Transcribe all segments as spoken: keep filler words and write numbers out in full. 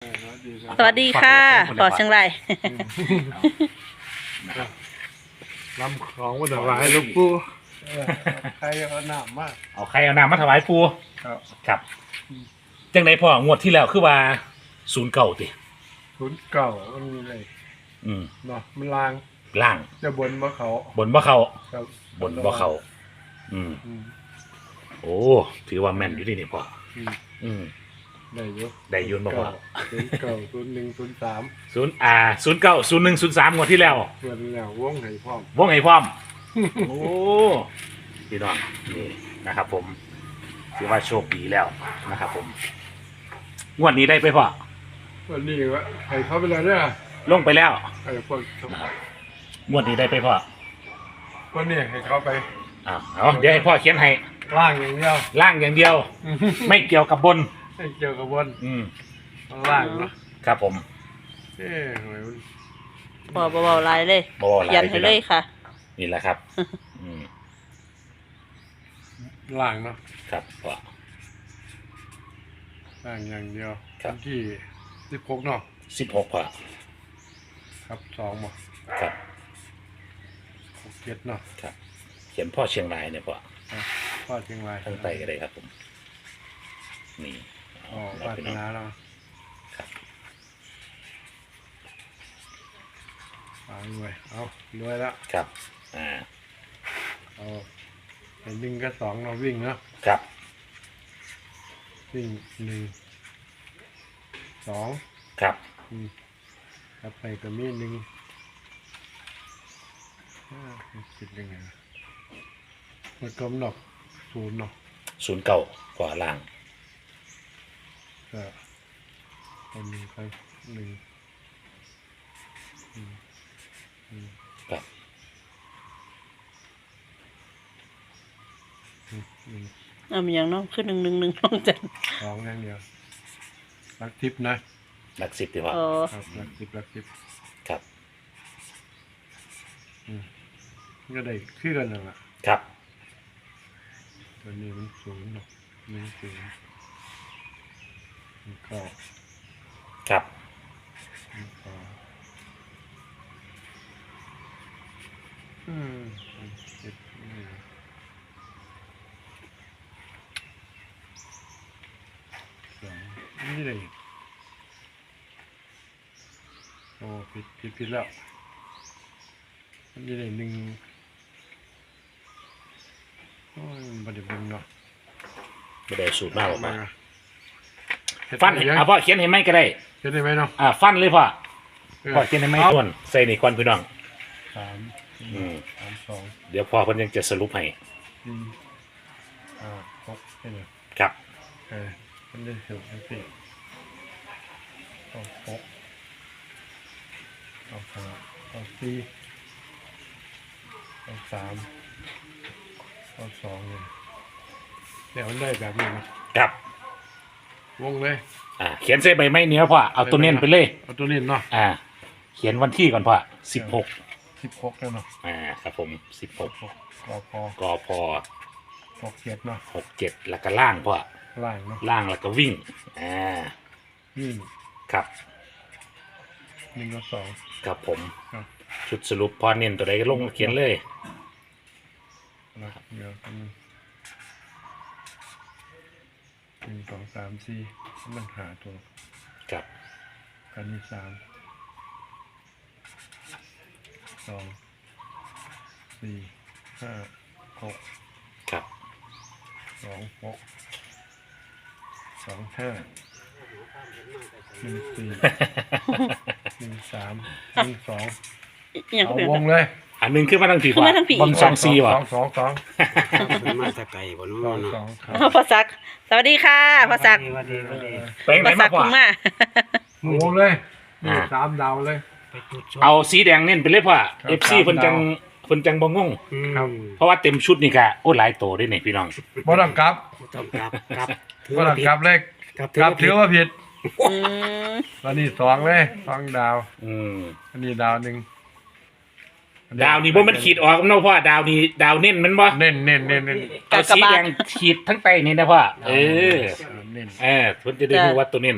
สวัสดีค่ะปอเชียงรายลำของวันไหวหลวงปู่ใครเอาหนามมากเอาใครเอาน้ำมาถวายปูครับครับจังไดพ่องวดที่แล้วคือว่าศูนย์เก่าติศูนย์เก่ามันมีอะไรอืมเนาะมันลางล่างจะบนบ่เขาบนบ่เขาครับบนบ่เขาอืมอืมโอ้ถือว่าแม่นอยู่ที่นี่พ่ออืมอืมได้เยอะได้ยืนบ่พ่อศูนย์เก่าศูนย์หนึ่งศูนย์สามศูนย์อ่าศูนย์เก้าศูนย์หนึ่งศูนย์สามงวดที่แล้วเพื่อนแล้ววงให้พร้อมวงไงพร้อม โอ้พี่น้องนี่นะครับ ผมถือว่าโชคดีแล้วนะครับ ผมงวดนี้ได้ไปพ่อวันนี้ว่าให้เขาไปแล้วเนี่ยลงไปแล้วไอ้พวกงวดนี้ได้ไปพ่อวันนี้ให้เขาไปอ้าวเอาเดี๋ยวให้พ่อเขียนให้ล่างอย่างเดียวล่างอย่างเดียว ไม่เกี่ยวกับบนให้เกี่ยวกับบนอืมล่างเนาะครับผมเอ๊ะทำไมมันปอเบาๆลายเลยบ่หลาเขียนให้เลยค่ะนี่แหละครับ อืมล่างเนาะครับพ่อล่างอย่างเดียวครับวันที่สิบหกเนาะสิบหกพ่อครับสองบ่ครับหกเจ็ดเนาะครับ เขียนพ่อเชียงรายเนี่ยพ่อพ่อเชียงรายทั้งไตก็ได้ครับ ผม นี่อ๋อเอาวาไปสน้องนาเราครับเอาด้วยเอาด้วยแล้วครับ อ่าเอาเห็นหนึ่งกับสองเราวิ่งเนาะครับวิ่งหนึ่งสองครับอืมครับไปก็มีหนึ่งอ่าคิดยังไงวะมันกลมดอกศูนย์เนาะศูนย์เก้าพ่อล่างก็เอาหนึ่งไปหนึ่งอืมอืมครับอืมอืมเอามีอย่างน้องขึ้นหนึ่งหนึ่งหนึ่งน้องจันสองอย่างเดียวรักทิพย์นะหลักสิบดีพ่ออ๋อครับรักทิพย์รักทิพย์ครับอืมก็ได้คือกันนั่นแหละครับตัวนี้มันศูนย์เนาะหนึ่งศูนย์หนึ่งเก้าครับหนึ่งสองอืมหนึ่งเจ็ดหนึ่งสองนี่เลยโอ้ผิดผิดผิดแล้วมันนี่เลยหนึ่งโอ้ยมันบไดเบิ่งเนาะไม่ได้สูตรมากหรอกพ่อเฮ็ดฟันได้ให้ยังเอาพ่อเขียนให้ไหมก็ได้เฮ็ดได้ไหมเนาะอ่า ฟันเลยพ่อเออพ่อเขียนให้ไหมส่วนใส่ในควันพี่น้องสามสี่อืมสามสองเดี๋ยวพ่อเพิ่นยังจะสรุปให้สี่ห้าหกใช่ไหมครับเออมันได้ถึงสี่เอาหกเอาห้าเอาสี่เอาสามเอาสองเลยเดี๋ยวมันได้แบบนี้นะครับ วงเลยอ่า เขียนเส้นใบไม้เนื้อพ่อ เอาตัวเน้นไปเลยเอาตัวนี้เนาะอ่า เขียนวันที่ก่อนพ่อสิบหกสิบหกแล้วเนาะอ่า ครับผมสิบหกหกก็พอกอพอหกเจ็ดเนาะหกเจ็ดแล้วก็ล่างพ่อล่างเนาะล่างแล้วก็วิ่ง อ่าวิ่งครับหนึ่งกับสองครับผมครับชุดสรุปพอเน้นตัวใดก็ลงเขียนเลยนะครับเดี๋ยวกันงหนึ่งสองสามสี่มันหาตัวครับกันมีสามสองสี่ห้าหกครับสองหกสองห้าหนึ่งสี่หนึ่งสามหนึ่งสองอหย่างเอาก็เป็นวงเลยอันหนึงขึ้นมาทั้งผีขึ้นมาทั้งผีบนสองซีว่ะสองสองสองมันมาแตะไก่บนสอนู้งนสเนาะองครับเอาพ่อซัก สวัสดีค่ะพ่อซักสวัสดีสวัสดีไปไหนพ่อซัมาก พ่อคุณมาเอาวงเลยนี่อ่าสามดาวเลยไปจุดชมเอาสีแดงเน้นไปเลยพ่อครับเอฟซีครับเพิ่นจังเพิ่นจังบ่งงอืมครับเพราะว่าเต็มชุดนี่ก็โอ้หลายโตด้วยนี่พี่น้องบ่ต้องกลับต้องกลับกลับถือบ่ว่าต้องผิดกลับเลยกลับกลับถือว่าผิดอืมแล้วนี่สองเลยสองดาวอืมอันนี้ดาวหนึ่งดาวนี่บ่มันขีดออกเนาะพ่อดาวนี่ดาวเน้นมันบ่เน้นเน้นเน้นเน้นเอาสีแดงขีดทั้งใต้นี่นะพ่อเออเน้นเออเพิ่นจะได้รู้ว่าตัวเน้น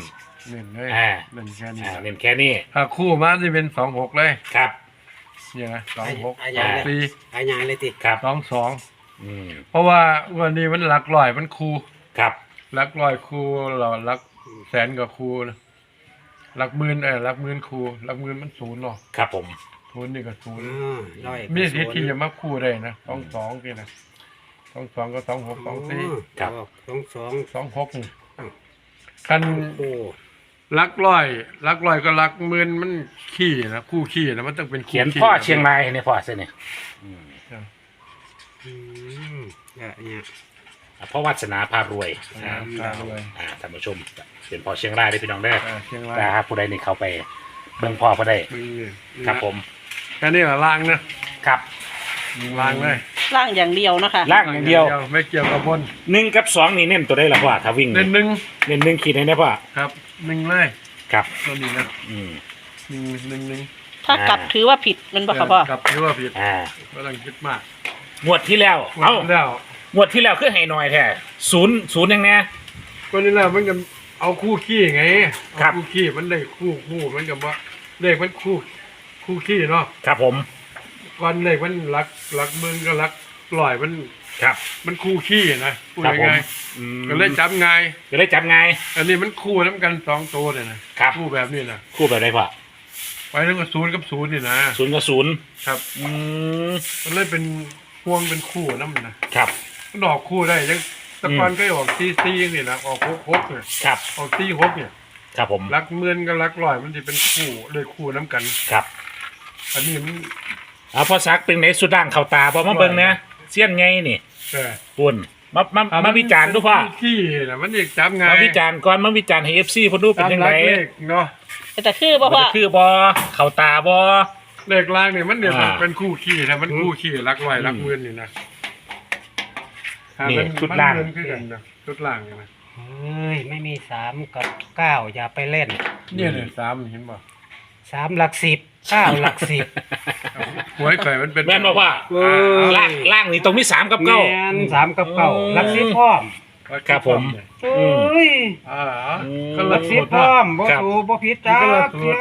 เน้นเลยอ่าเน้นแค่นี้อ่าเน้นแค่นี้ถ้าคู่มาจะเป็นสองหกเลยครับเนี่ยนะสองหกอาสญาองเลยสี่อาญาเลยติครับสองสองอืมเพราะว่าวันนี้มันหลักร้อยมันคู่ครับหลักร้อยคู่เราหลักแสนกับคู่นะหลักหมื่นเออหลักหมื่นคู่หลักหมื่นมันศูนย์หรอกครับผมศูนย์นี่ก็ศูนย์อ่าร้อยมีสิทธิ์ที่จะมาคู่ได้นะสองสองนี่นะสองสองก็สองหกสองสี่ครับสองสองสองหกนี่คันโอ้ลักร้อยลักร้อยก็ลักหมื่นมันขี้นะคู่ขี้นะมันต้องเป็นคู่เขียนขี้พ่อเชียงรายเนี่ยพ่อเส้นเนี่ยอืมอืมเนี่ยเนี่ยเพราะวัสนาพารวยอ่าครับเลยอ่าท่านผู้ชมเขียนพ่อเชียงรายได้พี่น้องได้ออ่าเชียงรายนะครับผู้ใดนี่เข้าไปเบิ่งพ่อเขาได้มึงนี่ครับผมแค่นี้แหละล่างนะครับ ล่างเลยร่างอย่างเดียวนะคะล่างอย่างเดียวไม่เกี่ยวกับบนหนึ่งกับสองนี่เน้นตัวได้ละพ่อถ้าวิ่งเน้นหนึ่งเน้นหนึ่งขีดให้ได้พ่อครับหนึ่งเลยครับตัวนี้นะอืมหนึ่งหนึ่งหนึ่งถ้ากลับถือว่าผิดมันบ่ค่ะพ่อกับที่ว่าผิดอ่าไม่ต้องคิดมากงวดที่แล้ว เอ้าแล้วงวดที่แล้วคือให้หน่อยแท้ศูนย์ศูนย์ยังไงก็นี่แหละมันก็เอาคู่ขี้ไงครับเอาคู่ขี้มันได้คู่คู่มันกับว่าเลขมันคู่คู่ขี้เนาะครับผมวันเลขมันรักรักหมื่นก็รักร้อยมันครับมันคู่ขี้นะพูดครับผมง่ายอืมๆก็เลยจับง่ายจะได้จับไงอันนี้มันคู่น้ำกันสองตัวเนี่ยนะครับ คู่แบบนี้นะคู่แบบไหนพ่อไปแล้วก็ศูนย์กับศูนย์นี่นะศูนย์กับศูนย์ครับอืมมันเลยเป็นพวงเป็นคู่น้ำนะครับ มันออกคู่ได้ยังแตะกอนก็ออกซีซีนี่นะออกหกหกเนี่ยครับออกซีหกเนี่ยครับผมรักหมื่นกับรักร้อยมันจะเป็นคู่เลยคู่น้ำกันครับอันนี้มันเอาพอซักเป็นไหนสุดด่างเข่าตาพอมาเบิ่งนะเสี้ยนไงนี่เออปุ่นมามามาวิจารณ์ดูพ่อขี้นะมันเอกจับง่ายมาวิจารณ์ก่อนมาวิจารณ์ให้เอฟซีพอดูเป็นยังไงตามหลักเลขเนาะแต่คือบ่มันพ่อจะคือบอเข่าตาบอเลขล่างเนี่ยมันเนี่ยอ่าเป็นคู่ขี้นะมันคู่ขี้รักร้อยรักหมื่นนี่นะนี่ถ้ามัชุดล่างมันเงินขึ้นกันนะชุดล่างเนี่ยนะเฮ้ยไม่มีสามกับเก้าอย่าไปเล่นเนี่ยเนี่ยสามเห็นป่ะสามหลักสิบเก้าหลักสิบหวยไข่มันเป็นแม่นบอกว่าเอ้ยล่างล่างนี่ตรงมีสามกับเก้าแมนสามกับเก้าอืมหลักสิบพร้อมครับผมเอ้ยอ่าอืมก็หละลักสิสูบตรพร้อนะมบ่ครับถูกบ่ผิดจ้ามันก็ละสูตรเพีย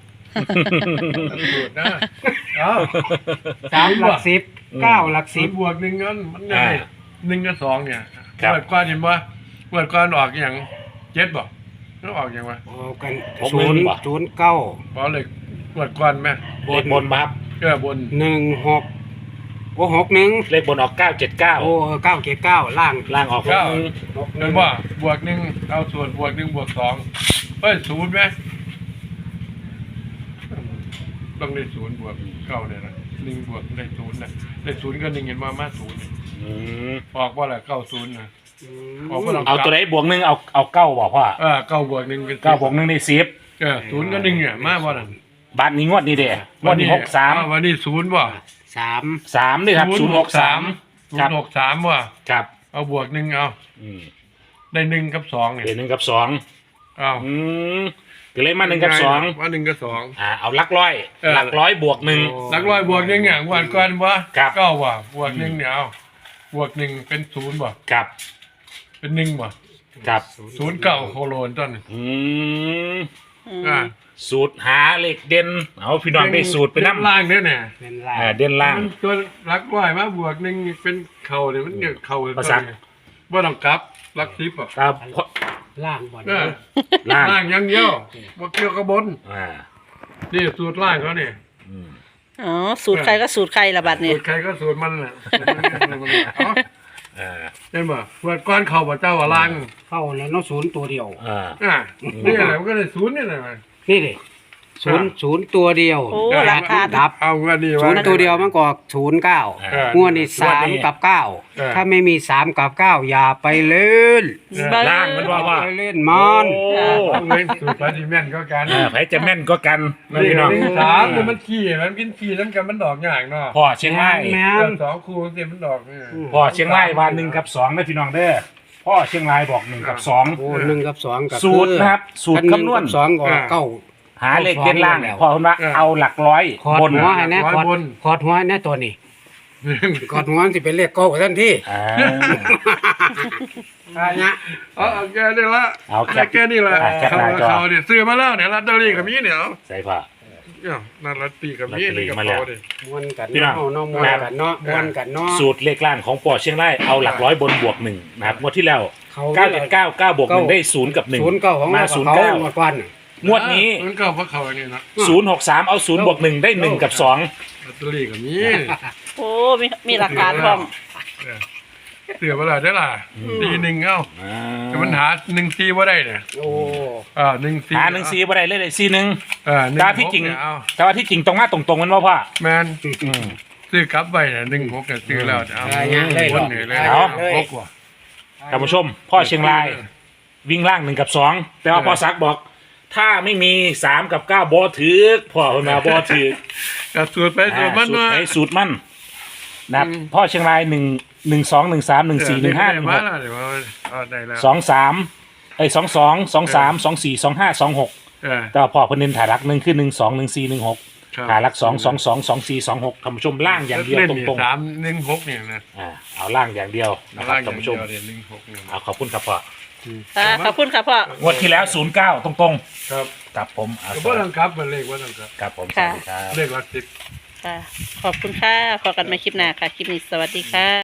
สูตรนะเอ้าสามหลักสิบเก้าหลักสิสิบบ บวกหนึ่งกันมันไงอ่าหนึ่งกับสองเนี่ยครับเปิดก้อนเห็นป่ะเปิดก้อนออกอย่างเจ็ดบ่แล้วออกอย่างวะโอ้กันหกศูหมื่นนย์บ่ศูนย์เก้าเพราะเลยเปิดก้อนไหมเลขบนมาครับเออบนหนึ่งหกโอ้หกหนึ่งเลขบนออกเก้าเจ็ดเก้าโอ้เก้าเจ็ดเก้าล่างล่างออกหกเก้าหนึ่งหกหเห็นึ่นงป่ะบวกหนึ่งเอาส่วนบวกหนึ่งบวกสองเอ้ยศูนย์ไหมต้องได้ศูนย์บวกเก้าเนี่ยนะหนึ่งบวกได้ศูนย์นะได้ศูนย์ก็หนึ่งเห็นว่ามาศูนย์อืมออกว่าแหละเก้าศูนย์นะอืมออกว่าลองเอาตัวไหนบวกหนึ่งเอาเอาเก้าบอกพ่อเออเก้าบวกหนึ่งเป็นเก้าบวกหนึ่งได้สิบเออศูนย์ก็หนึ่งเนี่ยมาบ่นั่นบาทนี้งวดนี้เด้งวดนี้หกสามอ้ววันนี้ศูนย์บ่สามสามนี่ครับศูนย์หกสามศูคน รับย์หกสามว่ะครับเอาบวกหนึ่งเอาอืมได้หนึ่งกับสองเนี่ยเดี๋ยวหนึ่งกับสองเอาอืมก็เลยมาหนึ่งกับสองว่าหนึ่งกับสองอ่าเอาหลักร้อยเออหลักร้อยบวกหนึ่งนักร้อยบวกหนึ่งเนี่ยวันก่อนว่าครับเก้าว่ะบวกหนึ่งเนี่ยเอาบวกหนึ่งเป็นศูนย์บ่ครับเป็นหนึ่งบ่ครับศูนย์เก้าโคโลนต้นอืมอืมอ่าสูตรหาเลขเด่นเอาพี่น้องได้สูตรไปเด่น้ำล่างเนี่ยเนี่ยเป็นล่างอ่าเด่นล่างมันตัวรักร้อยมาบวกหนึ่งเป็นเข่าเนี่ยมันเนี่ยเข่าประสานว่าต้องกลับรักทิพย์อ่ะครับล่างบอลเออล่างล่างอยังเดียวบ่เกี่ยวกับบนอ่านี่สูตรล่างเขาเนี่ยอืมอ๋อสูตรใครก็สูตรใครละบัดนี่สูตรใครก็สูตรมันแหละเอาอ่าเห็นบ่เปิดก้อนเข่าบ่เจ้าว่าล่างเข้าแล้วเน้องศูนย์ตัวเดียวอ่าอ่ะนี่แหละมันก็เลยศูนย์นี่แหละมันนี่ดิศูนย์ศูนย์ตัวเดียวโอ้ราคาดับเอาเงินดีศูวะนย์ตัวเดียวมันก็ศูนย์เก้าเอองวดนี้สามกับเก้าเออถ้าไม่มีสามกับเก้าอย่าไปเล่นล่างมันว่าว่าไปเล่นมันโอ้เอาเงินสูตรพาดิแม่นก็กันอ่าไผจะแม่นก็กันนะนี่พี่น้องหนึ่งสามเนี่ยมันขี้มันกินขี้นั้นกันมันดอกอย่างเนาะพ่อเชียงรายแม่เออสองคู่เสียมันดอกเนี่ยพ่อเชียงรายวันหนึ่งกับสองนะพี่น้องเด้อพ่อเชียงรายบอกหนึ่งกับสองโอ้หนึ่งกับสองกับสูตรนะครับสูตรหนึ่งคำนวณกับสองก็เก้าหาเลขเด่นล่างแล้วพอคุณว่าเอาหลักร้อยขอดบนหัวให้แน่ขอดขอดหัวให้แน่ตัวนี้ขอดหัวสิเป็นเลขเก้าทันทีอ่าอ่าเนี่ยเอาเอาแค่นี้ละเอาแคปแค่นี้ละอ่ะแคปเขาหน้าจอเขาเนี่ยซื้อมาแล้วเนี่ยลอตเตอรี่กับมีเนี่ยเอาใส่ผ้าเนี่ยนั่นลอตเตอรี่กับมีลอตเตอรี่นี่กับมาแล้วเขาดิม้วนกันพี่น้องเนาะเนาะม้วนกันเนาะม้วนกันเนาะสูตรเลขล่างของปอเชียงรายเอาหลักร้อยบนบวกหนึ่งนะครับงวดที่แล้วเขาเก้าเจ็ดเก้าเก้าบวกหนึ่งได้ศูนย์กับหนึ่งศูนย์เก้าของมาเราศูนย์เขาเก้าหมดก่อนน่ะงวดนี้มันก็เพราะเขาเนี่ยนะศูนย์หกสามเอาศูนย์บวกหนึ่งได้หนึ่งกับสองลอตเตอรี่กับมีโอ้มีมีหลักฐานพร้อมเสือเวลาได้ล่ะตีหนึ่งเอ้าอ่าแต่มันหาหนึ่งซีว่าได้เนี่ยโอ้อ่าหนึ่งซีหาหนึ่งซีบ่ได้เลยเลยซีหนึ่งอ่าหนึ่งแต่หที่กจริงเนี่ยเอาแต่ว่าที่จริงตรงมาตรงๆมันว่าพ่อแมนอืมซื้อกลับไปเนี่ยหนึ่งหกเนี่ยซื้อแล้วเอาอ่าเนี่ยเลยคนเนาะเหนื่อยเลยเอาหกว่ะท่านผู้ชม พ่อเชียงราย วิ่งล่างหนึ่งกับสองแต่ว่าเออพ่อซักบอก ถ้าไม่มีสามกับเก้าบอถือพ่อคนมาบอถือกับสูตรไปสูตรมันสูตรว่าไหนสูตรมันนะครับอืมพ่อเชียงรายหนึ่งหนึ่งสองหนึ่งสามหนึ่งสี่หนึ่งห้าหนึ่งหมาก แล้วเดี๋ยวว่าเอาได้แล้วสองสามไอ้สองสองสองสามสองสี่สองห้าสองหกเออแต่ว่าพ่อเพนเน้นถ่ายรักหนึ่งคือหนึ่งสองหนึ่งสี่หนึ่งหกครับถ่ายรักสองสองสองสองสี่สองหกท่านผู้ชมล่างอย่างเดียวเล่นตนี่รงสามหนึ่งหกเนี่ยนะๆอ่าเอาล่างอย่างเดียวนะครับล่างอท่าย่าน งผู้เดีชยวมเนี่ยหนึ่งหกเนี่ยเอาขอบคุณครับพ่อค่ะขอบคุณค่ะพ่องวดที่แล้วศูนย์เก้าตรงครับๆกับผมเอาก็บ่ต้องกลับมันเลขว่าต้องกลับกับผมสวัสดีครับเลขหลักสิบค่ะ ขอบคุณค่ะพอกันใหมาคลิปหน้าค่ะ คลิปนี้สวัสดีค่ะ